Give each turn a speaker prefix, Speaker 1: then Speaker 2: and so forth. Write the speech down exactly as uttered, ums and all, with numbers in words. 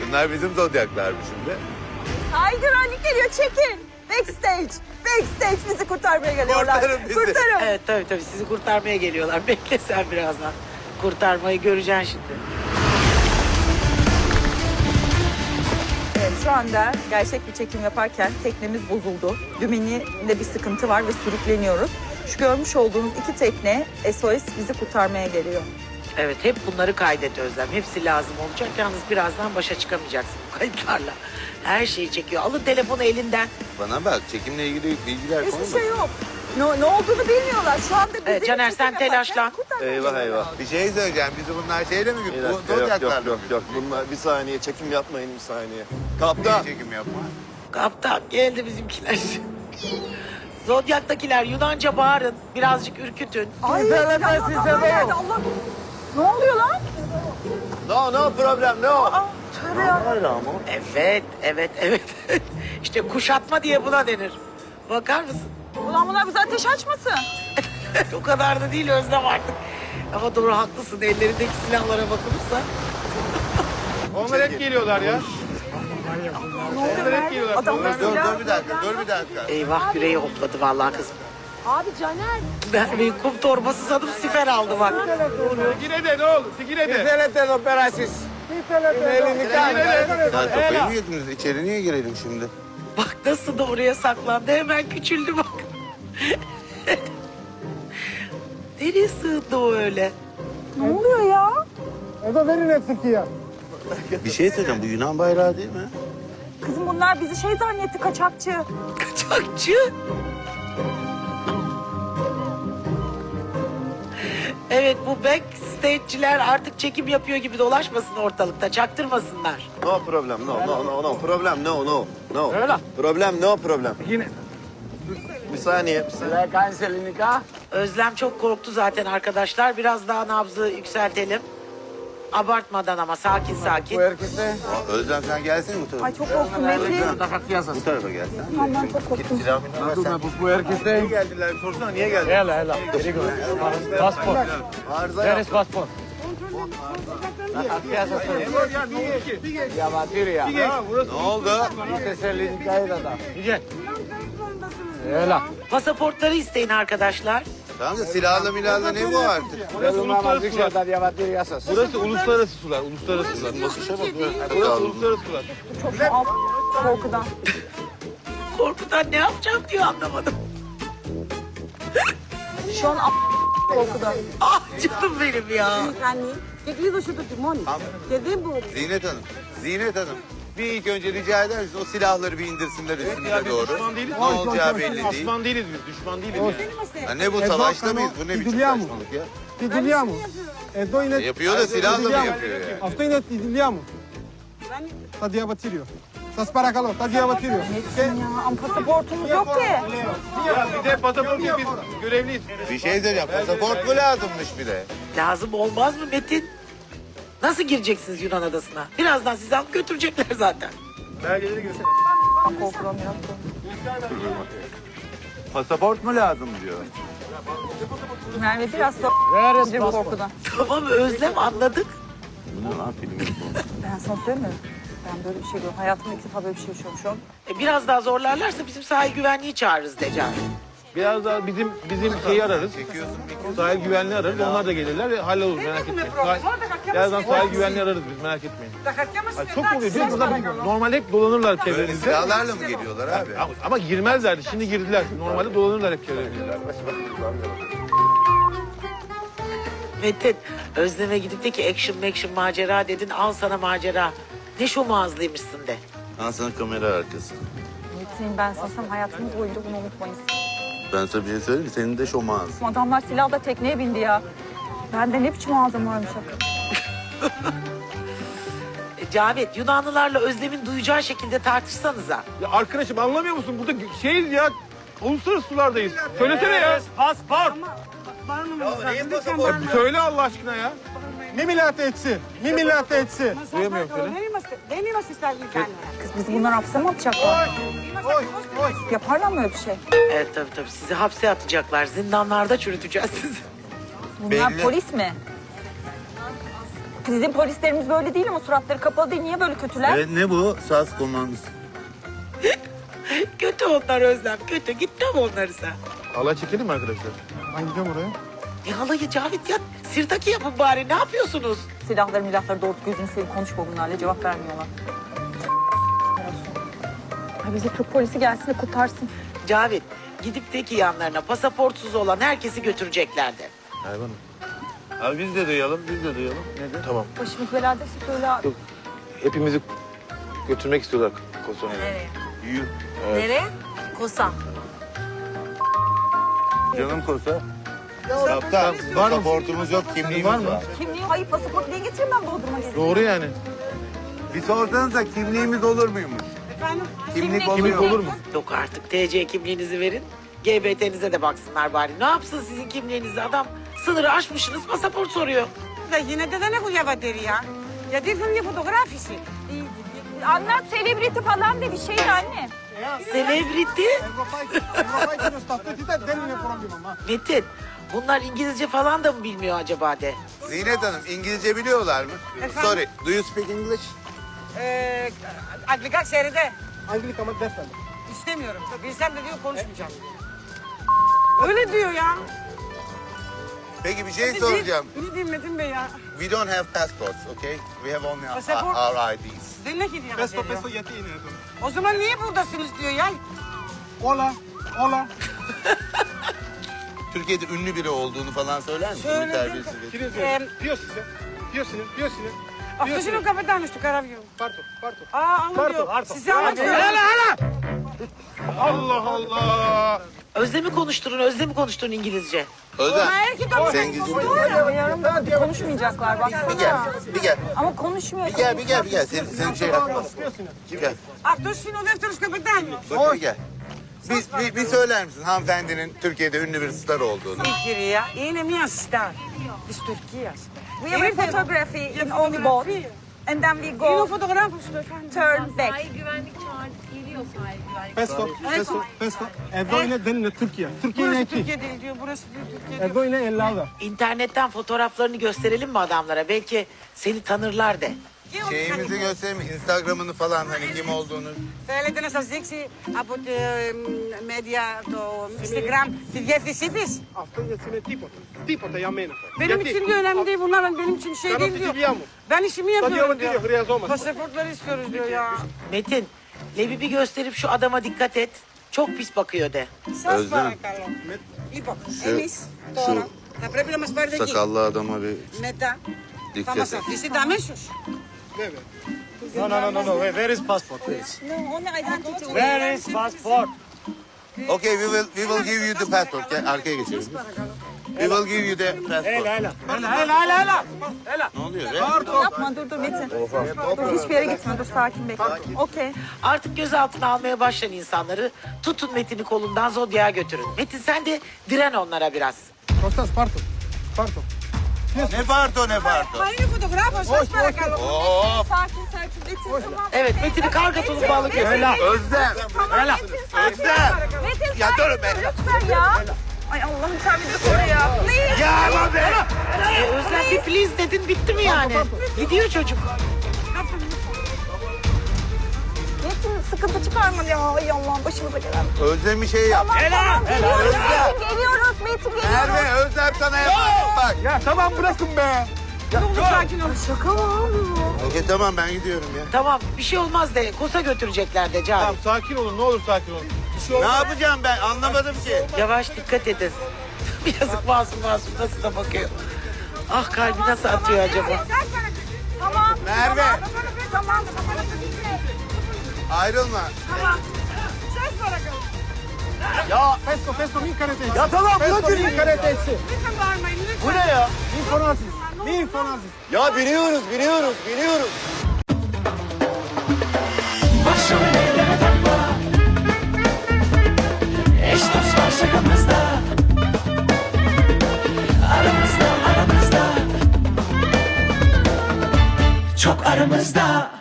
Speaker 1: Bunlar bizim zodyaklar mı şimdi?
Speaker 2: Sahil güvenlik geliyor, çekin. Backstage, backstage bizi kurtarmaya geliyorlar.
Speaker 1: Kurtarın bizi.
Speaker 2: Kurtarın.
Speaker 3: Evet tabii tabii sizi kurtarmaya geliyorlar. Bekle sen birazdan. Kurtarmayı göreceksin şimdi.
Speaker 2: Evet, şu anda gerçek bir çekim yaparken teknemiz bozuldu. Dümeninde bir sıkıntı var ve sürükleniyoruz. Şu görmüş olduğunuz iki tekne S O S bizi kurtarmaya geliyor.
Speaker 3: Evet hep bunları kaydet Özlem. Hepsi lazım olacak. Yalnız birazdan başa çıkamayacaksın bu kayıtlarla. Her şeyi çekiyor. Alın telefonu elinden.
Speaker 1: Bana bak, çekimle ilgili bilgiler
Speaker 2: Hiçbir
Speaker 1: konuşma.
Speaker 2: şey yok. Ne, ne olduğunu bilmiyorlar. Şu anda bizi
Speaker 3: Evet, Caner, sen
Speaker 2: çekim
Speaker 3: telaşlan.
Speaker 2: yaparken kurtarmaya
Speaker 4: Eyvah
Speaker 2: geliyorlar.
Speaker 4: eyvah.
Speaker 1: Bir şey söyleyeceğim. Bizi bunlar şeyle mi
Speaker 4: Bir
Speaker 1: gidiyor? Bu
Speaker 4: dakika, yok yok
Speaker 1: zodyaklarla
Speaker 4: yok
Speaker 1: mı
Speaker 4: yok. Bunlar bir saniye çekim yapmayın bir saniye.
Speaker 1: gidiyor?
Speaker 4: Kaptan.
Speaker 1: Niye çekim yapma?
Speaker 3: Kaptan geldi bizimkiler. Zodyak'takiler Yunanca bağırın. Birazcık ürkütün.
Speaker 2: Ay, silahlı adamlar geldi. Allah. Ne oluyor lan?
Speaker 4: No no problem no.
Speaker 2: Aa, tövbe ya.
Speaker 4: Hayır ama.
Speaker 3: Evet, evet, evet. İşte kuşatma diye buna denir. Bakar mısın?
Speaker 2: Ulan bunlar bize ateş açmasın.
Speaker 3: O kadar da değil Özlem artık. Ama doğru haklısın. Ellerindeki silahlara bakılırsa.
Speaker 5: Onlar hep geliyorlar ya.
Speaker 2: Ne oluyor
Speaker 5: Onlar hep
Speaker 2: Merve?
Speaker 5: geliyorlar.
Speaker 2: Adamlar
Speaker 1: Dur,
Speaker 2: silah...
Speaker 1: dur bir dakika, dur bir dakika.
Speaker 3: Eyvah yüreği hopladı vallahi kızım.
Speaker 2: Abi Caner.
Speaker 3: Merve'yi kum torbası sanıp siper aldı bak.
Speaker 5: Sigire de ne olur? Sigire de.
Speaker 1: Ya kafayı mı yediniz? İçeri niye girelim şimdi?
Speaker 3: Bak nasıl da oraya saklandı. Hemen küçüldü bak. Nereye sığındı o öyle?
Speaker 2: Ne oluyor ya?
Speaker 1: Bir şey söyleyeceğim. Bu Yunan bayrağı değil mi?
Speaker 2: Kızım bunlar bizi şey zannetti, kaçakçı.
Speaker 3: Kaçakçı. Evet bu backstage'ciler artık çekim yapıyor gibi dolaşmasın ortalıkta. Çaktırmasınlar.
Speaker 4: No problem no no no no problem no no no.
Speaker 5: Öyle.
Speaker 4: Problem no problem.
Speaker 5: Yine.
Speaker 4: Bir saniye bir saniye.
Speaker 3: Özlem çok korktu zaten arkadaşlar. Biraz daha nabzı yükseltelim. Abartmadan ama sakin sakin.
Speaker 1: Aa, Özlem sen gelsene bu tarafa.
Speaker 2: Ay çok korktum Metin.
Speaker 1: Bu tarafa gelsen.
Speaker 2: Tamam ben çok korktum.
Speaker 1: Silahımı versen.
Speaker 5: Niye geldiler? Sorsana niye geldiler? Hela hela. Passport.
Speaker 1: Arıza
Speaker 5: Where
Speaker 1: yap.
Speaker 5: is passport? Ya burası
Speaker 1: Ne oldu?
Speaker 5: Gel. Hela.
Speaker 3: Pasaportları isteyin arkadaşlar.
Speaker 1: Tamam da silahla milahla ne bu artık?
Speaker 5: Burası uluslararası sular. Burası uluslararası sular. Uluslararası sular. Burası uluslararası sular.
Speaker 2: Çok şu alt korkudan.
Speaker 3: Korkudan ne yapacağım diyor anlamadım.
Speaker 2: Şu an alt korkudan.
Speaker 3: Ah canım benim ya.
Speaker 1: Zinet Hanım, Zinet Hanım. Bir ilk önce rica eder misiniz o silahları bir indirsinler üstümüze doğru.
Speaker 5: Düşman değiliz.
Speaker 1: Ne olacağı belli değil.
Speaker 5: Düşman değiliz biz. Düşman değiliz yani.
Speaker 1: Ya ne bu savaşta mıyız? Bu ne biçim saçmalık ya?
Speaker 6: Ti digliamo. E doi net.
Speaker 1: Yapıyor da silahla mı yapıyor yani?
Speaker 6: A sto net ti digliamo. Sta di abatirio. Sta sparacalo, sta di abatirio.
Speaker 2: Metin ya, ama pasaportumuz yok ki.
Speaker 5: Ya bir de pasaport yok, biz görevliyiz.
Speaker 1: Bir şey söyleyeceğim. Pasaport mu lazımmış bir de?
Speaker 3: Lazım olmaz mı Metin? Nasıl gireceksiniz Yunan adasına? Birazdan sizi alıp götürecekler zaten.
Speaker 5: Belgeleri göster.
Speaker 2: Ben korkudan biraz korktum.
Speaker 1: Pasaport mu lazım diyor.
Speaker 2: Merve biraz da bir korkudan.
Speaker 3: Tamam Özlem anladık.
Speaker 1: Bu ne lan film gibi bu?
Speaker 2: Ben sana söyleyeyim mi? Ben böyle bir şey görüyorum. Hayatımda ilk defa böyle bir şey yaşıyorum şu an.
Speaker 3: E, biraz daha zorlarlarsa bizim sahil güvenliği çağırırız Decan.
Speaker 5: Biraz daha bizim bizim şeyi ararız.
Speaker 1: Çekiyorsun, çekiyorsun.
Speaker 5: Sahil güvenliği ararız. Onlar da gelirler ve hallolur merak etmeyin. Sahil, birazdan sahil güvenliği ararız biz merak etmeyin. Ay, çok oluyor değil mi? Burada normalde hep dolanırlar
Speaker 1: Böyle
Speaker 5: çevremizde.
Speaker 1: silahlarla mı geliyorlar abi?
Speaker 5: Ama, ama girmezlerdi. Şimdi girdiler. Normalde dolanırlar hep çevremizde.
Speaker 3: Metin Özlem'e gidip de ki action action macera dedin al sana macera. Ne şu mağazlıymışsın de.
Speaker 1: Ben sana kamera arkası.
Speaker 2: Metin ben sana hayatımız boyunca bunu unutmayız.
Speaker 1: Ben sana bir şey söyleyeyim mi? Senin de şomağız.
Speaker 2: Adamlar silahla tekneye bindi ya. Bende ne biçim ağzım varmış hakikaten.
Speaker 3: E, Cavit Yunanlılarla Özlem'in duyacağı şekilde tartışsanıza.
Speaker 5: Ya arkadaşım anlamıyor musun? Burada şeyiz ya. Uluslararası sulardayız. Söylesene ya. Pasport. Söyle Allah aşkına ya.
Speaker 6: Mi mi lattezzi, mi mi lattezzi.
Speaker 5: Duyamıyorum söyle.
Speaker 2: Kız bizi bunlar hapse mi atacaklar? Yaparlar mı öyle bir şey?
Speaker 3: Evet tabii tabii sizi hapse atacaklar. Zindanlarda çürüteceğiz sizi.
Speaker 2: Bunlar
Speaker 1: Belli.
Speaker 2: polis mi? Bizim polislerimiz böyle değil ama suratları kapalı değil. Niye böyle kötüler?
Speaker 1: Evet, ne bu? S A S komandosu.
Speaker 3: Kötü onlar Özlem, kötü. Gitme mi onları sen?
Speaker 5: Halay çekelim mi arkadaşlar?
Speaker 6: Ben gidiyorum oraya.
Speaker 3: Ne halayı Cavit ya? Sirtaki yapın bari. Ne yapıyorsunuz?
Speaker 2: Silahları milahları doğru gözünü seveyim konuşma bunlarla cevap vermiyorlar. Ay bize Türk polisi gelsin de kurtarsın.
Speaker 3: Cavit, gidip de ki yanlarına pasaportsuz olan herkesi götüreceklerdi.
Speaker 5: Hayvanım.
Speaker 1: Abi biz de duyalım, biz de duyalım. Nedir?
Speaker 5: Tamam.
Speaker 2: Başımız beladaysa söyle abi.
Speaker 5: Yok. Hepimizi götürmek istiyorlar Kosova'ya.
Speaker 2: Nereye?
Speaker 1: Yuh.
Speaker 2: Nereye? Kosa.
Speaker 1: Canım Kosa. Kaptan, pasaportumuz yok, kimliğimiz
Speaker 5: Var
Speaker 1: var.
Speaker 5: mı?
Speaker 2: Kimliği, hayır pasaport niye getireyim ben Bodrum'a gezeyim?
Speaker 5: Doğru yani.
Speaker 1: Bir sorsanıza kimliğimiz olur muymuş?
Speaker 2: Efendim?
Speaker 1: Kimlik,
Speaker 5: Kimlik
Speaker 1: oluyor.
Speaker 5: olur mu?
Speaker 3: Yok artık T C kimliğinizi verin. G B T'nize de baksınlar bari. Ne yapsın sizin kimliğinizi adam? Sınırı aşmışsınız pasaport soruyor.
Speaker 7: Da yine de δεν έχω διαβατήρια. Γιατί ήρθαν για φωτογράφηση.
Speaker 2: Anlat selebriti falan de bir şeydi anne.
Speaker 3: Celebrity.
Speaker 6: Ευρωπαϊκή, ευρωπαϊκή ταυτότητα δεν είναι πρόβλημα. μα.
Speaker 3: Metin, bunlar İngilizce falan da mı bilmiyor acaba de?
Speaker 1: Zinet Hanım, İngilizce biliyorlar mı? Sorry, do you speak English?
Speaker 7: Ee, Αγγλικά ξέρετε.
Speaker 6: Αγγλικά ama δεν θέλω.
Speaker 7: İstemiyorum. Bilsem de diyor konuşmayacağım. Öyle diyor ya.
Speaker 1: Peki bir şey soracağım.
Speaker 7: Bizi değil Metin Bey ya.
Speaker 1: We don't have passports, okay? We have only our,
Speaker 7: Pasaport?
Speaker 1: our I Ds.
Speaker 7: Δεν έχει
Speaker 6: Πες το,
Speaker 7: διαβατήριο.
Speaker 6: πες το γιατί είναι εδώ.
Speaker 7: O zaman niye buradasınız diyor ya.
Speaker 6: Όλα, όλα.
Speaker 1: Türkiye'de ünlü biri olduğunu falan söyler misin?
Speaker 7: Söyledim.
Speaker 1: Bir terbiyesiz bir-
Speaker 6: Κύριε
Speaker 7: Ε,
Speaker 6: Ζέ, ποιος είσαι, ποιος είναι, ποιος είναι.
Speaker 7: Αυτός είναι ο καπετάνιος του καραβιού.
Speaker 6: Πάρ' το, πάρ' το.
Speaker 7: Aa anlıyor.
Speaker 6: Arto.
Speaker 7: Sizi anlatıyor.
Speaker 5: Allah Allah.
Speaker 3: Özlem'i konuşturun, Özlem'i konuşturun İngilizce.
Speaker 1: Özlem,
Speaker 7: Ama erkek ama
Speaker 1: sen İngilizce
Speaker 2: Yarım konuşmayacaklar
Speaker 1: bir
Speaker 2: baksana.
Speaker 1: gel, bir gel.
Speaker 2: Ama konuşmuyor.
Speaker 1: Bir gel, bir gel, bir gel. Sen, sen şey yapma. Gel,
Speaker 7: Αυτός είναι ο δεύτερος καπετάνιος.
Speaker 1: bak bir gel. Bir, bir, bir söyler misin hanımefendinin Türkiye'de ünlü bir star olduğunu?
Speaker 7: Η κυρία είναι μια στάρ της Τουρκίας.
Speaker 2: We have a photography in only boat. And then we
Speaker 7: Είναι ο
Speaker 2: go
Speaker 7: φωτογράφος του efendim.
Speaker 2: turn back.
Speaker 8: Sahil güvenlik çağırdı. Geliyor sahil güvenlik.
Speaker 6: Πες το, πες το, πες το. Εδώ είναι, δεν είναι Τουρκία. Τουρκία είναι
Speaker 7: Burası
Speaker 6: εκεί.
Speaker 7: Türkiye değil diyor. Burası diyor Türkiye diyor.
Speaker 6: Εδώ είναι Ελλάδα.
Speaker 3: İnternetten fotoğraflarını gösterelim mi adamlara? Belki seni tanırlar de.
Speaker 1: Şeyimizi göstereyim, Instagram'ını falan hani kim olduğunu.
Speaker 7: Θέλετε να σας δείξει από τη media το Instagram τη διεύθυνσή της.
Speaker 6: Αυτό γιατί είναι τίποτα. Τίποτα για μένα.
Speaker 7: Benim için diyor önemli değil bunlar. Ben- Benim için şey
Speaker 6: Κάνω
Speaker 7: değil
Speaker 6: τη
Speaker 7: diyor.
Speaker 6: δουλειά μου.
Speaker 7: Ben işimi
Speaker 6: Το
Speaker 7: yapıyorum
Speaker 6: διαβατήριο
Speaker 7: diyor.
Speaker 6: χρειαζόμαστε.
Speaker 7: Pasaportları istiyoruz diyor ya.
Speaker 3: Metin, Lebip'i gösterip şu adama dikkat et. Çok pis bakıyor de.
Speaker 7: Σας
Speaker 1: Özlem.
Speaker 7: παρακαλώ. Λοιπόν,
Speaker 1: Şu-
Speaker 7: εμείς τώρα
Speaker 1: şu
Speaker 7: θα πρέπει να μας πάρετε εκεί.
Speaker 1: Sakallı adama bir
Speaker 7: Μετά θα
Speaker 1: dikkat
Speaker 7: μας
Speaker 1: et.
Speaker 7: αφήσετε αμέσως.
Speaker 6: Βέβαια. No, no, no, no, no. Where is passport, please?
Speaker 2: No, only identity.
Speaker 6: Where is passport?
Speaker 1: Okay, we will we will give you the passport. Gel arkaya geçelim. We will give you the passport.
Speaker 6: Έλα, έλα. Έλα, έλα, έλα. Έλα.
Speaker 1: Ne oluyor be?
Speaker 2: Yapma dur dur Metin. Dur hiçbir yere gitme dur sakin bekle. Okey.
Speaker 3: Artık gözaltına almaya başlayan insanları tutun Metin'i kolundan Zodya'ya götürün. Metin sen de diren onlara biraz.
Speaker 6: Κώστας, πάρ' το. Πάρ' το.
Speaker 1: Ne parto ne parto.
Speaker 7: Μα είναι φωτογράφος, σας παρακαλώ.
Speaker 1: Oo,
Speaker 2: Sakin sakin Metin tamam.
Speaker 3: Evet Metin'i karga tulumbalı götürün.
Speaker 1: Özlem.
Speaker 2: Tamam Metin sakin.
Speaker 1: Özlem.
Speaker 2: Metin
Speaker 1: Ya
Speaker 2: sakin.
Speaker 1: dur be.
Speaker 2: Lütfen ya. Ay Allah'ım sen bizi koru ya. Please.
Speaker 1: Ya lan be.
Speaker 3: E, Özlem bir please dedin bitti mi yani? Gidiyor çocuk.
Speaker 2: Metin sıkıntı çıkarma ya. Ay Allah'ım başımıza gelen.
Speaker 1: Özlem bir şey yap.
Speaker 2: Tamam tamam geliyoruz
Speaker 1: Özlem.
Speaker 2: Metin geliyoruz Metin geliyoruz.
Speaker 1: Merve, Özlem sana yapar. Bak.
Speaker 6: Ya tamam bırakın be.
Speaker 7: Dur sakin ol.
Speaker 2: Şaka mı abi?
Speaker 1: Okey tamam ben gidiyorum ya.
Speaker 3: Tamam bir şey olmaz de Kosa götürecekler de Cavit.
Speaker 5: Tamam sakin olun ne olur sakin olun.
Speaker 1: Ne yapacağım ben anlamadım ki.
Speaker 3: Yavaş dikkat edin. Yazık masum masum nasıl da bakıyor. Ah kalbi nasıl atıyor acaba?
Speaker 2: Tamam.
Speaker 1: Merve.
Speaker 2: Tamam.
Speaker 1: Ayrılma.
Speaker 7: Σας παρακαλώ.
Speaker 6: Ya πες το, πες το, μην κάνετε έτσι. Ya tamam bırakın. Μην κάνετε έτσι.
Speaker 7: Lütfen bağırmayın lütfen.
Speaker 6: Bu ne ya? Μην φωνάζεις. Μην φωνάζεις.
Speaker 4: Ya biniyoruz, biniyoruz, biniyoruz.
Speaker 9: Başrol eyleme takma. Eş dost var şakamızda. Aramızda aramızda. Çok aramızda.